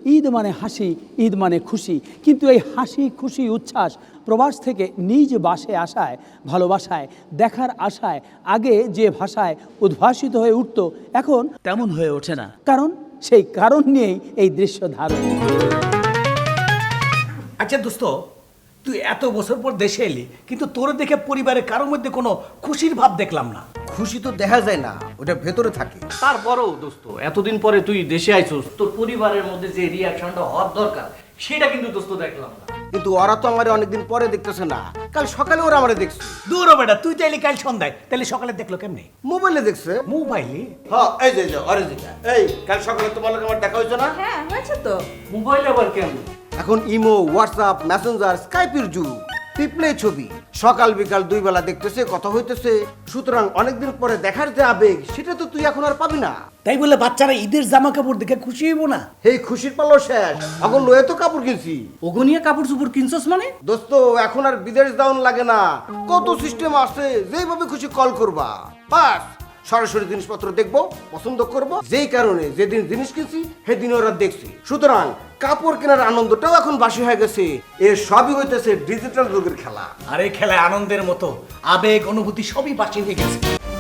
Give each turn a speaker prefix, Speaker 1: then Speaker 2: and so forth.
Speaker 1: ঈদ মানে হাসি, ঈদ মানে খুশি। কিন্তু এই হাসি খুশি উচ্ছ্বাস প্রবাস থেকে নিজ বাসে আসায়, ভালোবাসায়, দেখার আশায় আগে যে ভাষায় উদ্ভাসিত হয়ে উঠত, এখন তেমন হয়ে ওঠে না। কারণ সেই কারণ নিয়েই এই দৃশ্য ধারণ।
Speaker 2: আচ্ছা দোস্ত, তুই এত বছর পর দেশে এলি, কিন্তু তোর দেখে পরিবারের কারোর মধ্যে কোনো খুশির ভাব দেখলাম না।
Speaker 3: খুশি তো দেখা যায় না, ওটা ভেতরে থাকে।
Speaker 4: তারপরেও দোস্ত, এতদিন পরে তুই দেশে আইছস, তোর পরিবারের মধ্যে যে রিয়াকশনটা হওয়ার দরকার সেটা কিন্তু দোস্ত দেখলাম না।
Speaker 3: কিন্তু ওরা তো আমার অনেকদিন পরে দেখতেছে না, কাল সকালে ওরা আমার দেখছে।
Speaker 2: দূর বেটা, তুই তাইলে কাল সন্ধ্যায়, তাহলে সকালে দেখলো কেমনে?
Speaker 3: মোবাইলে দেখছে।
Speaker 2: মোবাইলে?
Speaker 3: হ্যাঁ, এই যে অরিজিনাল। এই কাল সকালে তোমার লগে আমার দেখা হয়েছে না?
Speaker 5: হ্যাঁ হয়েছে তো।
Speaker 4: মোবাইল আবার কেমন?
Speaker 3: এখন ইমো, হোয়াটসঅ্যাপ, মেসেঞ্জার, স্কাইপের যুগ। পিপলে ছবি সকাল বিকাল দুই বেলা দেখতেছে, কথা হইতেছে। সুতরাং অনেকদিন পরে দেখার যে আবেগ, সেটা তো তুই এখন আর পাবি না।
Speaker 2: তাই বলে বাচ্চারা ঈদের জামা কাপড় দেখে খুশি হইব না?
Speaker 3: এই খুশির পালো শেষ, এখন লয়ে তো কাপড় কিনছি।
Speaker 4: ওগনিয়া কাপড় চুপড় কিনছস মানে?
Speaker 3: দোস্ত, এখন আর বিদেশ দাউন লাগে না, কত সিস্টেম আছে। যেইভাবে খুশি কল করবা, বাস সরাসরি জিনিসপত্র দেখবো, পছন্দ করব। যেই কারণে যেদিন জিনিস কিনছি সেদিন ওরা দেখছি। সুতরাং কাপড় কেনার আনন্দটাও এখন বাসি হয়ে গেছে। এর সবই হইতেছে ডিজিটাল যুগের খেলা।
Speaker 2: আর এই খেলায় আনন্দের মতো আবেগ অনুভূতি সবই বাঁচিয়ে হয়ে গেছে।